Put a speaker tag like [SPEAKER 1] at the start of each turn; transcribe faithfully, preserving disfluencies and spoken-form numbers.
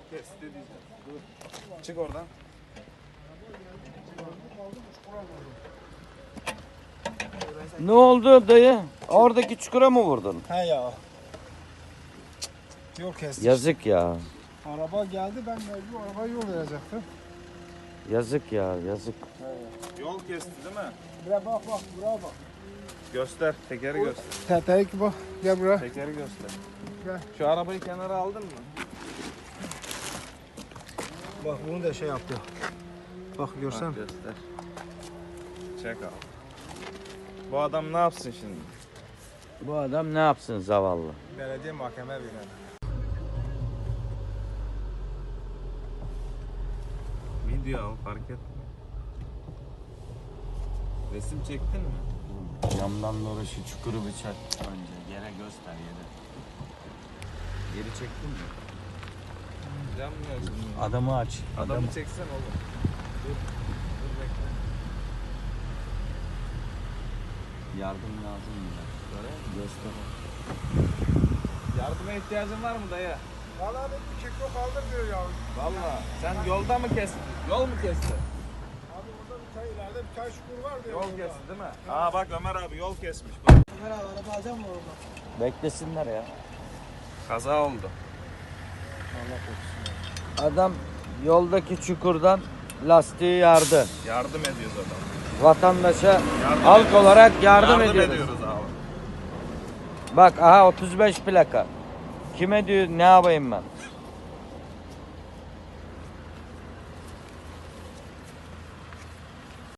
[SPEAKER 1] kesti diyeceğim. Dur. Çık oradan.
[SPEAKER 2] Ne oldu dayı? Oradaki çukura mı vurdun?
[SPEAKER 3] He ya. Yol kesti.
[SPEAKER 2] Yazık ya.
[SPEAKER 3] Araba geldi, ben mecbur arabaya yol verecektim.
[SPEAKER 2] Yazık ya, yazık.
[SPEAKER 1] Yol kesti değil mi?
[SPEAKER 3] Buraya bak bak, buraya bak.
[SPEAKER 1] Göster. Tekeri göster.
[SPEAKER 3] Teteyi bak, gel buraya.
[SPEAKER 1] Tekeri göster.
[SPEAKER 3] Gel.
[SPEAKER 1] Şu arabayı kenara aldın mı?
[SPEAKER 3] Bak bunu da şey yaptı. Bak görsen.
[SPEAKER 1] Bak, göster. Çek al. Bu adam ne yapsın şimdi?
[SPEAKER 2] Bu adam ne yapsın zavallı?
[SPEAKER 3] Belediye mahkeme verir.
[SPEAKER 1] Video al, fark etme. Resim çektin mi?
[SPEAKER 2] Camdan doğru şu çukuru bir çek önce. Yere göster yere. Yeri çektin mi?
[SPEAKER 1] Cam mı yazın?
[SPEAKER 2] Adamı aç.
[SPEAKER 1] Adamı
[SPEAKER 2] Adamı.
[SPEAKER 1] çeksen oğlum. Dur. Dur bekle.
[SPEAKER 2] Yardım lazım mı? Göster.
[SPEAKER 1] Yardıma ihtiyacın var mı dayı?
[SPEAKER 3] Valla bir keko kaldır diyor ya.
[SPEAKER 1] Valla. Sen yolda mı kestin? Yol mu kestin?
[SPEAKER 3] Abi orada bir çay ileride bir çay çukur var diyor.
[SPEAKER 1] Yol kesti değil mi? Aa bak Ömer abi yol kesmiş. Bak.
[SPEAKER 3] Ömer abi araba alacak mı orada?
[SPEAKER 2] Beklesinler ya.
[SPEAKER 1] Kaza oldu.
[SPEAKER 2] Adam yoldaki çukurdan lastiği yardı.
[SPEAKER 1] Yardım ediyoruz adam.
[SPEAKER 2] Vatandaşa
[SPEAKER 1] Yardım
[SPEAKER 2] halk
[SPEAKER 1] ediyoruz.
[SPEAKER 2] olarak yardım,
[SPEAKER 1] Yardım
[SPEAKER 2] ediyoruz.
[SPEAKER 1] ediyoruz abi.
[SPEAKER 2] Bak aha otuz beş plaka. Kime diyor ne yapayım ben?